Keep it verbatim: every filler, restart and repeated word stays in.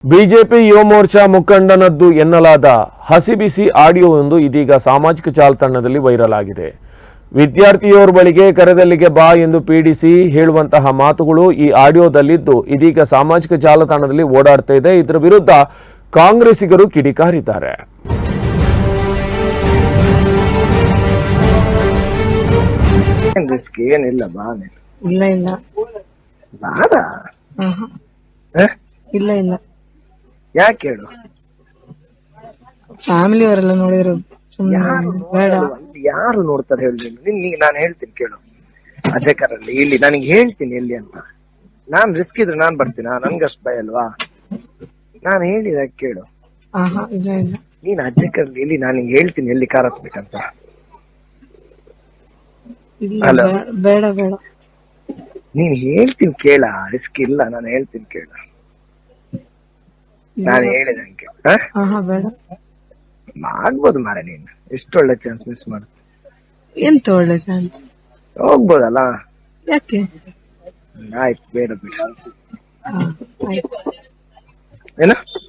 BJP ಯುವ ಮೋರ್ಚಾ ಮುಖಂಡನದ್ದು ಎನ್ನಲಾದ ಹಸಿಬಿಸಿ ಆಡಿಯೋವೊಂದು ಇದೀಗ ಸಾಮಾಜಿಕ ಜಾಲತಾಣದಲ್ಲಿ ವೈರಲ್ ಆಗಿದೆ. ವಿದ್ಯಾರ್ಥಿಯೋರ್ ಬಳಿಗೆ ಕರೆದಲ್ಲಿಗೆ ಬಾ ಎಂದು ಪೀಡಿಸಿ ಹೇಳುವಂತಹ ಮಾತುಗಳು ಈ ಆಡಿಯೋದಲ್ಲಿದ್ದು ಇದೀಗ ಸಾಮಾಜಿಕ ಜಾಲತಾಣದಲ್ಲಿ ಓಡಾಡ್ತಾ ಇದೆ. ಇದರ ವಿರುದ್ಧ ಕಾಂಗ್ರೆಸ್ಸಿಗರು ಕಿಡಿಕಾರಿದ್ದಾರೆ. ಏನಿಲ್ಲ ಬಾ ಇಲ್ಲ ಇಲ್ಲ ಬಾರ ಇಲ್ಲ ಇಲ್ಲ ಯಾಕೆ ಹೇಳು. ಫ್ಯಾಮಿಲಿ ಅವರೆಲ್ಲ ನೋಡಿದ್ರು ಬೇಡ. ಯಾರು ನೋಡ್ತಾರೆ ಹೇಳಿ ನೀನ್ ನಾನು ಹೇಳ್ತೀನಿ ಕೇಳು. ಅಜಯ್ ಕರಲ್ಲಿ ಇಲ್ಲಿ ನನಗೆ ಹೇಳ್ತೀನಿ ಎಲ್ಲಿ ಅಂತ. ನಾನ್ ರಿಸ್ಕ್ ಇದ್ರೆ ನಾನ್ ಬರ್ತೀನ? ನನ್ಗಷ್ಟು ಭಯ ಅಲ್ವಾ? ನಾನ್ ಹೇಳಿದ ಕೇಳು. ಇಲ್ಲ ಇಲ್ಲ ನೀನ್ ಅಜಯ್ ಕರಲ್ಲಿ ಇಲ್ಲಿ ನಾನು ಹೇಳ್ತೀನಿ ಎಲ್ಲಿ ಕಾರ್ ಹತ್ಬೇಕಂತ. ಇಲ್ಲ ಬೇಡ ಬೇಡ ನೀನ್ ಹೇಳ್ತೀನಿ ಕೇಳ. ರಿಸ್ಕ್ ಇಲ್ಲ, ನಾನು ಹೇಳ್ತೀನಿ ಕೇಳ. ನಾನು ಹೇಳಿದಂಗೆ ಬೇಡ ಆಗ್ಬೋದು ಮಾರ. ನೀನ್ ಎಷ್ಟು ಒಳ್ಳೆ ಚಾನ್ಸ್ ಮಿಸ್ ಮಾಡುತ್ತೆ. ಎಂತ ಒಳ್ಳೆ ಚಾನ್ಸ್. ಹೋಗ್ಬೋದಲ್ಲ? ಯಾಕೆ? ಆಯ್ತು ಬೇಡ ಬಿಡ. ಆಯ್ತು ಏನ